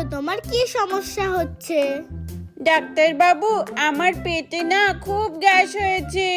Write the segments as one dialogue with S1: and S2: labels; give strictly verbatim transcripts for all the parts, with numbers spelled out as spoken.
S1: তোমার কি সমস্যা হচ্ছে?
S2: ডাক্তার বাবু, আমার পেটে না খুব গ্যাস হয়েছে।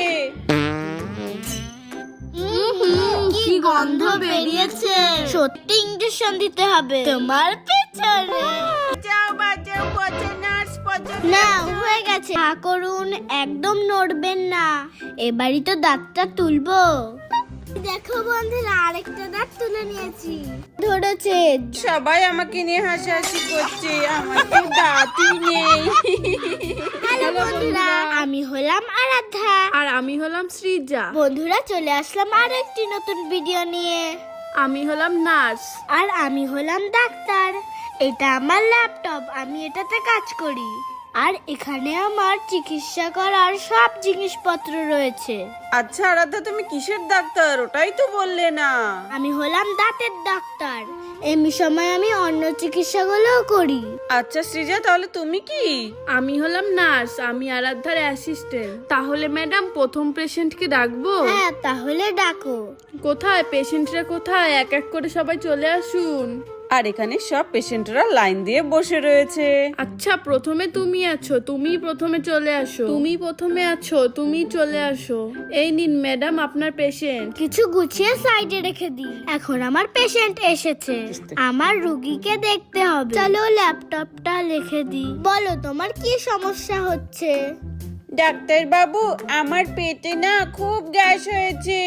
S1: কি গন্ধ বেরিয়েছে! সত্যি ইনজেকশন দিতে হবে তোমার পেছনে।
S2: যাও বাঁচাও, পচা নার্স, পচা।
S1: না, হয়ে গেছে। হা করুন, একদম নড়বেন না। এবারই তো দাঁতটা তুলবো। দেখো বন্ধুরা, আরেকটা দাঁত তুলে নিয়েছি। ধরেছে।
S2: সবাই আমাকে নিয়ে হাসাহাসি করছে, আমার তো দাঁতই নেই।
S1: হ্যালো বন্ধুরা, আমি হলাম আরাধ্যা
S3: আর আমি হলাম সৃজা।
S1: বন্ধুরা, চলে আসলাম আর একটি নতুন ভিডিও নিয়ে।
S3: আমি হলাম নার্স।
S1: আর আমি হলাম ডাক্তার। এটা আমার ল্যাপটপ, আমি এটাতে কাজ করি। আর এখানে আমার চিকিৎসা করার সব জিনিসপত্র রয়েছে।
S2: আচ্ছা আরাধ্যা, তুমি কিসের ডাক্তার? ওটাই তো বললে না।
S1: আমি হলাম দাঁতের ডাক্তার। এমনি সময় আমি অন্য চিকিৎসাগুলোও করি।
S2: আচ্ছা সৃজা, তাহলে তুমি কি?
S3: আমি হলাম নার্স, আমি আরাধ্যার অ্যাসিস্ট্যান্ট। তাহলে ম্যাডাম, প্রথম পেশেন্টকে ডাকবো?
S1: হ্যাঁ, তাহলে ডাকো।
S3: কোথায় পেশেন্টরা? কোথায়? এক এক করে সবাই চলে আসুন।
S2: আর এখানে সব পেশেন্টরা লাইন দিয়ে বসে রয়েছে।
S3: আচ্ছা, প্রথমে তুমি আছো, তুমি প্রথমে চলে আসো। তুমি প্রথমে আছো, তুমি চলে আসো। এই নিন ম্যাডাম, আপনার পেশেন্ট।
S1: কিছু গুছিয়ে সাইডে রেখে দিই। এখন আমার পেশেন্ট এসেছে, আমার রুগীকে দেখতে হবে। চলো ল্যাপটপটা লিখে দিই। বলো, তোমার কি সমস্যা হচ্ছে?
S2: ডাক্তার বাবু, আমার পেটে না খুব গ্যাস হয়েছে।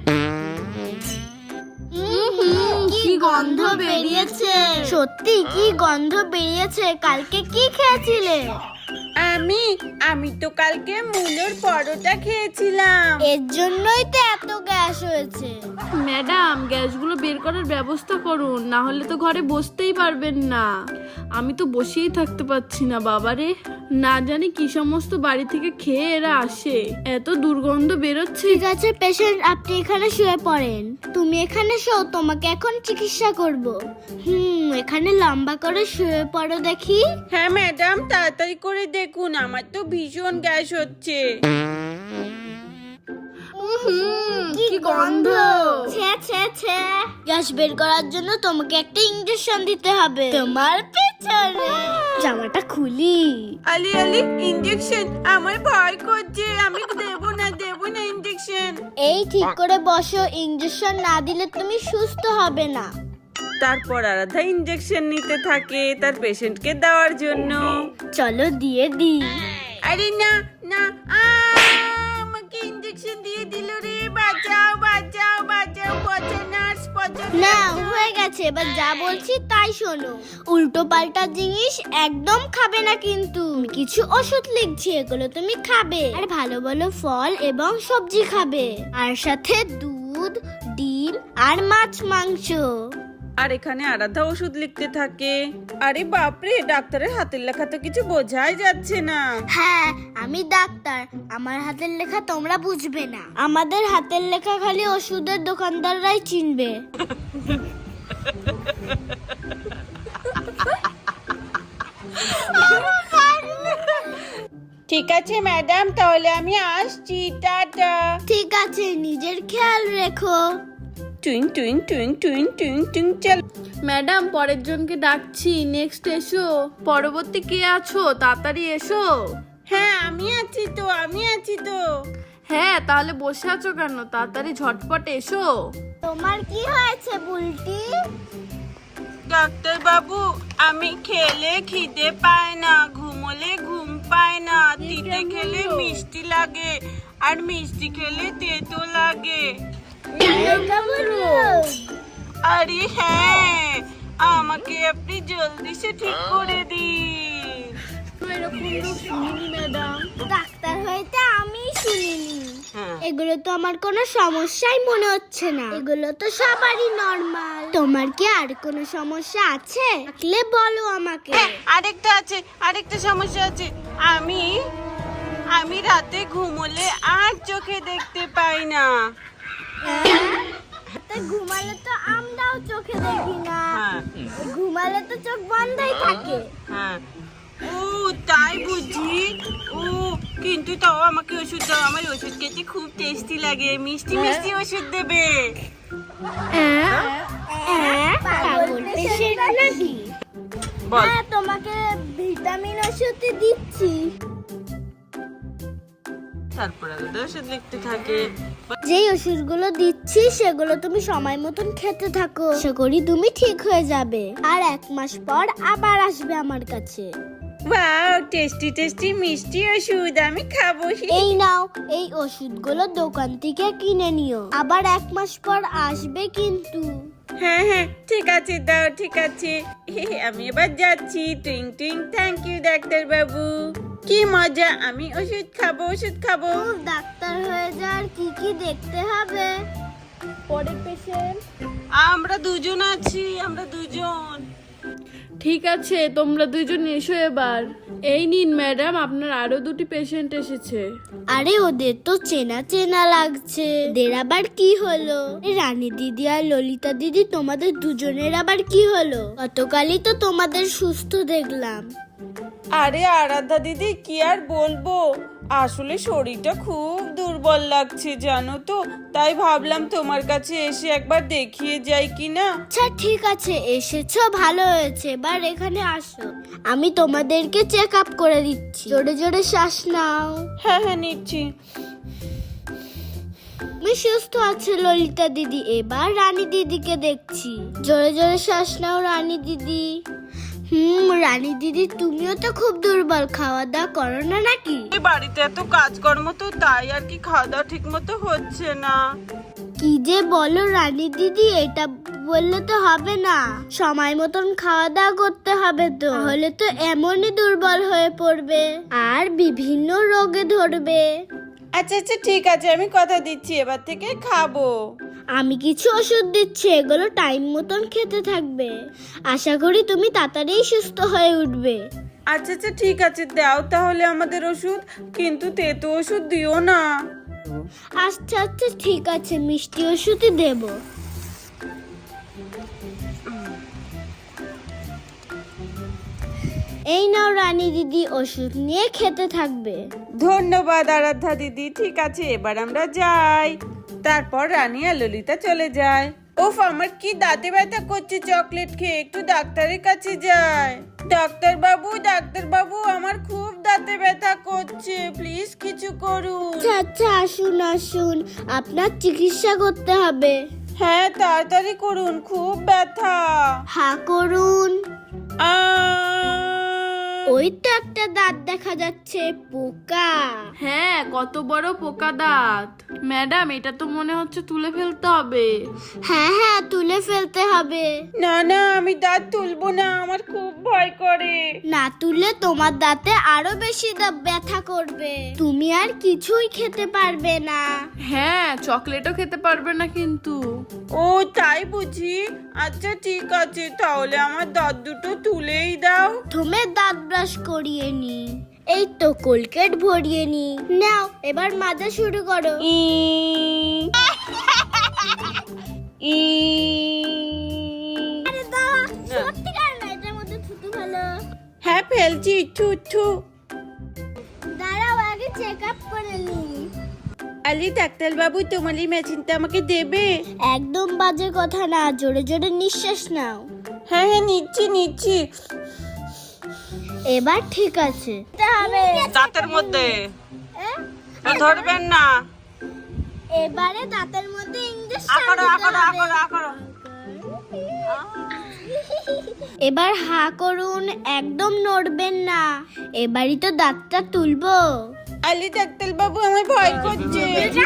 S1: কি গন্ধ বেরিয়েছে! সত্যি কি গন্ধ বেরিয়েছে! কালকে কি খেয়েছিলে?
S2: আমি আমি তো কালকে মুলোর পরোটা খেয়েছিলাম।
S1: এর জন্যই তো এত গ্যাস হয়েছে।
S3: ম্যাডাম, গ্যাসগুলো বের করার ব্যবস্থা করুন, না হলে তো ঘরে বসতেই পারবেন না। আমি তো বসেই থাকতে পারছি না বাবারে। না জানি কি সমস্ত বাড়ি থেকে খেয়ে এরা আসে, এত দুর্গন্ধ বেরোচ্ছে।
S1: ঠিক আছে পেশেন্ট, আপনি এখানে শুয়ে পড়েন। তুমি এখানে শো, তোমাকে এখন চিকিৎসা করব। হুম এখানে লম্বা করে শুয়ে পড়ো দেখি।
S2: হ্যাঁ ম্যাডাম, তাড়াতাড়ি করে দেখুন, আমার তো ভীষণ গ্যাস হচ্ছে।
S1: কি গন্ধ! ছে ছে ছে! গ্যাস বের করার জন্য তোমাকে একটা ইনজেকশন দিতে হবে তোমার পেছনে। জামাটা খুলি।
S2: আলি আলি, ইনজেকশন! আমার ভয় করছে, আমি দেব না দেব না ইনজেকশন।
S1: এই ঠিক করে বসো, ইনজেকশন না দিলে তুমি সুস্থ হবে না।
S2: তারপর আরাধ্যা ইনজেকশন নিতে থাকে তার পেশেন্টকে দেওয়ার জন্য।
S1: চলো দিয়ে দিই।
S2: আরে না না, আ আমাকে ইনজেকশন দিয়ে দিল রে। বাঁচাও বাঁচাও বাঁচাও, পচা নার্স, পচা।
S1: না, হয়ে গেছে। এবার যা বলছি তাই শোনো। উল্টো পাল্টা জিনিস একদম খাবে না কিন্তু। কিছু ওষুধ লিখছি, এগুলো তুমি খাবে। আর ভালো ভালো ফল এবং সবজি খাবে। আর সাথে দুধ, ডিম আর মাছ মাংস।
S2: আর এখানে আরাধ্যা ওষুধ লিখতে থাকে। আরে বাপরে, ডাক্তারের হাতের লেখা তো কিছু বোঝাই যাচ্ছে না।
S1: হ্যাঁ, আমি ডাক্তার, আমার হাতের লেখা তোমরা বুঝবে না। আমাদের হাতের লেখা খালি ওষুধের দোকানদাররাই চিনবে।
S2: ঠিক আছে ম্যাডাম, তাহলে আমি আসছি, টাটা।
S1: ঠিক আছে, নিজের খেয়াল রেখো।
S2: টুইং টুইং টুইং টুইং টুইং টুইং, চল।
S3: ম্যাডাম, পরের জনকে ডাকছি, নেক্সট এসো। পরবর্তী কে আছো? তাড়াতাড়ি এসো।
S2: হ্যাঁ আমি আছি তো, আমি আছি তো।
S3: হ্যাঁ, তাহলে বসে আছো কেন? তাড়াতাড়ি ঝটপট এসো।
S1: তোমার কি হয়েছে বুলটি?
S2: ডাক্তার বাবু, আমি খেলে খিদে পায় না, ঘুমোলে ঘুম পায় না, তিতে খেলে মিষ্টি লাগে, আর মিষ্টি খেলে তেতো লাগে। আরে হ্যাঁ, আমাকে আপনি জলদি সে ঠিক করে দিন।
S3: এরকম রূপ শুনিনি ম্যাডাম।
S1: ডাক্তার হইতে আমি শুনিনি।
S2: হ্যাঁ।
S1: এগুলো তো আমার কোনো সমস্যাই মনে হচ্ছে না। এগুলো তো সবারই নরমাল। তোমার কি আর কোনো সমস্যা আছে? থাকলে বলো আমাকে।
S2: হ্যাঁ, আরেকটা আছে, আরেকটা সমস্যা আছে। আমি আমি রাতে ঘুমোলে আর চোখে দেখতে পাই না।
S1: তা ঘুমালে তো আমরাও চোখে দেখি না।
S2: হ্যাঁ
S1: ঘুমালে তো চোখ বন্ধই থাকে।
S2: হ্যাঁ। ও তাই বুঝি। ও কিন্তু তাও আমাকে ওষুধ দাও, আমার ওষুধ খেতে খুব টেস্টি লাগে, মিষ্টি মিষ্টি ওষুধ দেবে।
S1: পাগল পেশেন্ট নাকি?
S2: বল।
S1: হ্যাঁ তোমাকে ভিটামিন ওষুধ দিচ্ছি।
S2: তারপরে আলাদা ওষুধ লিখতে থাকে।
S1: যেই ওষুধগুলো দিচ্ছি সেগুলো তুমি সময় মতন খেতে থাকো, আশা করি তুমি ঠিক হয়ে যাবে। আর এক মাস পর আবার আসবে আমার কাছে।
S2: ওয়াও, টেস্টি টেস্টি মিষ্টি ওষুধ, আমি খাবো।
S1: এই নাও, এই ওষুধগুলো দোকান থেকে কিনে নিও, আবার এক মাস পর আসবে কিন্তু।
S2: হ্যাঁ হ্যাঁ ঠিক আছে, দাও, ঠিক আছে। আমি এবার যাচ্ছি। টুইং টুইং, থ্যাংক ইউ ডাক্তার বাবু। কি মজা, আমি ওষুধ খাবো, ওষুধ খাবো।
S1: ও, ডাক্তার হয়ে যাওয়ার কি কি দেখতে হবে? পরের পেশেন্ট।
S2: আমরা দুজন আছি, আমরা দুজন।
S3: ঠিক আছে, তোমরা দুইজন এসো এবার। এই নিন ম্যাডাম, আপনার আরো দুটি পেশেন্ট এসেছে।
S1: আরে ওদের তো চেনা চেনা লাগছে, ওদের আবার কি হলো? এ, রানী দিদি আর ললিতা দিদি, তোমাদের দুজনের আবার কি হলো? গতকালই তো তোমাদের সুস্থ দেখলাম।
S2: আরে আরাধ্যা দিদি, কি আর বলবো, আসলে শরীরটা খুব দুর্বল লাগছে জানো তো, তাই ভাবলাম তোমার কাছে এসে একবার দেখিয়ে যাই কিনা।
S1: আচ্ছা ঠিক আছে, এসেছো ভালো হয়েছে, এবার এখানে আসো, আমি তোমাদেরকে চেক আপ করে দিচ্ছি। জোরে জোরে শ্বাস নাও।
S2: হ্যাঁ হ্যাঁ নিচ্ছি।
S1: তুমি সুস্থ আছে ললিতা দিদি, এবার রানী দিদিকে দেখছি। জোরে জোরে শ্বাস নাও রানী দিদি। হুম, রানী দিদি তুমিও তো খুব দুর্বল, খাওয়া দাওয়া করো না নাকি?
S2: এই বাড়িতে এত কাজকর্ম তো, তাই আর কি খাওয়া দাওয়া ঠিক মতো হচ্ছে না।
S1: কি যে বলো রানী দিদি, এটা বললে তো হবে না, সময় মতন খাওয়া দাওয়া করতে হবে তো, তাহলে তো এমনই দুর্বল হয়ে পড়বে আর বিভিন্ন রোগে ধরবে।
S2: আচ্ছা আচ্ছা ঠিক আছে, আমি কথা দিচ্ছি এবার থেকে খাবো।
S1: আমি কিছু ওষুধ দিচ্ছি, এগুলো টাইম মতন খেতে থাকবে, আশা করি তুমি তাড়াতাড়ি সুস্থ হয়ে উঠবে।
S2: আচ্ছা আচ্ছা ঠিক আছে, দাও তাহলে আমাদের ওষুধ, কিন্তু তেতো ওষুধ দিও না।
S1: আচ্ছা আচ্ছা ঠিক আছে, মিষ্টি ওষুধই দেব। এই নাও রানী দিদি, ওষুধ নিয়ে খেতে থাকবে।
S2: ধন্যবাদ আরাধ্যা দিদি, ঠিক আছে এবার আমরা যাই। তারপর রানী আর ললিতা চলে যায়। ওফ, আমার কি দাঁতে ব্যথা করছে চকলেট খেয়ে, একটু ডাক্তারের কাছে যাই। ডাক্তার বাবু, ডাক্তার বাবু, আমার খুব দাঁতে ব্যথা করছে, প্লিজ কিছু করুন।
S1: আচ্ছা আচ্ছা আসুন আসুন, আপনার চিকিৎসা করতে হবে।
S2: হ্যাঁ তাড়াতাড়ি করুন, খুব ব্যথা।
S1: হা করুন।
S2: আহ!
S1: ওই তো একটা দাঁত দেখা যাচ্ছে, পোকা।
S3: হ্যাঁ, কত বড় পোকা দাঁত। ম্যাডাম, এটা তো মনে হচ্ছে তুলে ফেলতে হবে।
S1: হ্যাঁ হ্যাঁ তুলে ফেলতে হবে।
S2: না না, আমি দাঁত তুলবো না, আমার খুব ভয় করে।
S1: না তুললে তোমার দাঁতে আরো বেশি দা- ব্যথা করবে, তুমি আর কিছুই খেতে পারবে না।
S3: হ্যাঁ, চকলেটও খেতে পারবে না কিন্তু।
S2: ও তাই বুঝি, আচ্ছা ঠিক আছে, তাহলে আমার দাঁত দুটো তুলেই দাও।
S1: তুমি দাঁত ব্রাশ করিয়ে নি, এই তো কোলগেট ভরিয়ে নি, নাও এবার মাজা শুরু করো।
S2: ই ই
S1: আরে দাও, সত্যিকার না, এটার মধ্যে থুতু ভালো।
S2: হ্যাঁ ফেলছি, থু থু।
S1: দাঁড়াও আগে চেক আপ করে নি।
S2: আলি ডাক্তার বাবু, তোমার এই মেশিনটা আমাকে দেবে?
S1: একদম বাজে কথা না, জোরে জোরে নিঃশ্বাস নাও।
S2: হ্যাঁ হ্যাঁ নিচ্ছি নিচ্ছি।
S1: এবার ঠিক আছে।
S2: দাঁতের মধ্যে ধরবেন না।
S1: এবারে দাঁতের মধ্যে ইঞ্জেকশন
S2: আকড়ো
S1: দিতে
S2: আকড়ো
S1: হবে।
S2: আকড়ো আকড়ো।
S1: এবার হা করুন, একদম নড়বেন না, এবারই তো দাঁতটা তুলবো।
S2: আলি ডাক্তার বাবু, আমার ভয় করছে।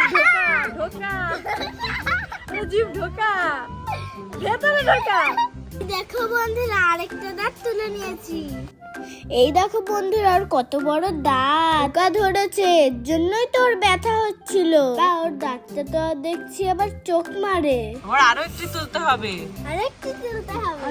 S1: দেখো বন্ধুরা, আরেকটা দাঁত তুলে নিয়েছি। এই দেখো বন্ধুরা, ওর কত বড় দাঁত, পোকা ধরেছে, এর জন্যই তো ওর ব্যথা হচ্ছিল। তা ওর দাঁতটা তো দেখছি আবার চোখ মারে।
S2: আমার আরো একটু তুলতে হবে।
S1: আরেকটু তুলতে হবে।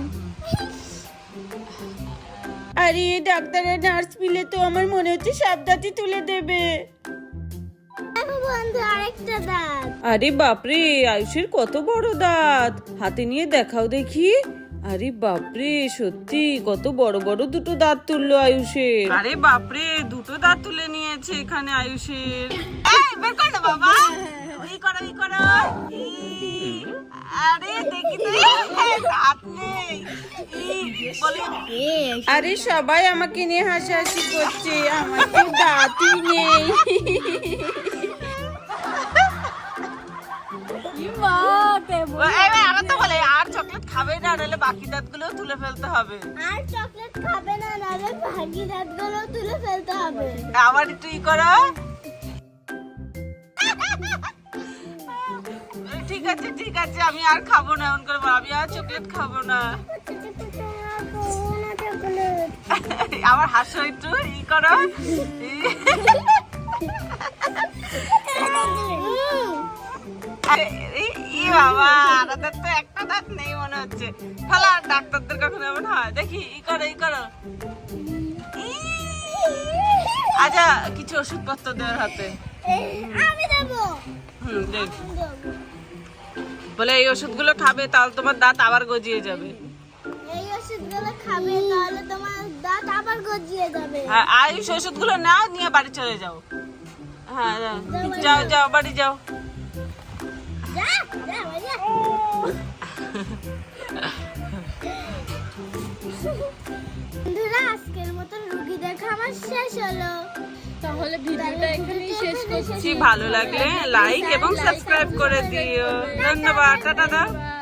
S2: আরে ডাক্তার আর নার্স মিলে তো আমার মনে হচ্ছে সব দাঁতই তুলে দেবে।
S1: দেখো বন্ধু, আরেকটা দাঁত।
S2: আরে বাপরে, আয়ুষের কত বড় দাঁত, হাতে নিয়ে দেখাও দেখি। আরে বাপরে, সত্যি কত বড় বড় দুটো দাঁত তুললো আয়ুষের। আরে বাপরে, দুটো দাঁত তুলে নিয়েছে এখানে আয়ুষের। এই বের কর না বাবা, এই করো এই করো। আরে দেখি তো দাঁত নেই ই, বলে আরে সবাই আমাকে নিয়ে হাসাহাসি করছে আমার তো দাঁতই নেই আমরা তো বলে আর চকলেট খাবে না নাহলে বাকি দাঁতগুলো তুলে ফেলতে হবে
S1: আর চকলেট খাবে না নালে ভাগি দাঁতগুলো তুলে ফেলতে হবে
S2: আবার তুই করো ঠিক আছে ঠিক আছে আমি আর খাবো না এমন করে বল, আমি আর চকলেট খাবো না আবার হাসো একটু ই করো আরে এই- ই বাবা আমাদের তো একটা দাঁত নেই মনে হচ্ছে তাহলে আর ডাক্তারদের কখনো এমন হয় দেখি ই করো ই করো ই। আচ্ছা কিছু ওষুধপত্র দেওয়ার হাতে
S1: আমি দেবো
S2: হুম দেখ
S1: দেবো।
S2: বলে এই ওষুধগুলো খাবে তাহলে তোমার দাঁত আবার গজিয়ে যাবে
S1: এই ওষুধগুলো খাবে তাহলে তোমার দাঁত আবার গজিয়ে যাবে
S2: হ্যাঁ আর এই ওষুধগুলো নাও নিয়ে বাড়ি চলে যাও হ্যাঁ যাও। যাও যাও বাড়ি যাও
S1: যা যা ভাইয়া বন্ধুরা আজকের মতন রুগী দেখা আমার শেষ হলো
S3: তাহলে ভিডিওটা এখানেই শেষ করছি।
S2: ভালো লাগলে লাইক এবং সাবস্ক্রাইব করে দিও ধন্যবাদ টাটা দাও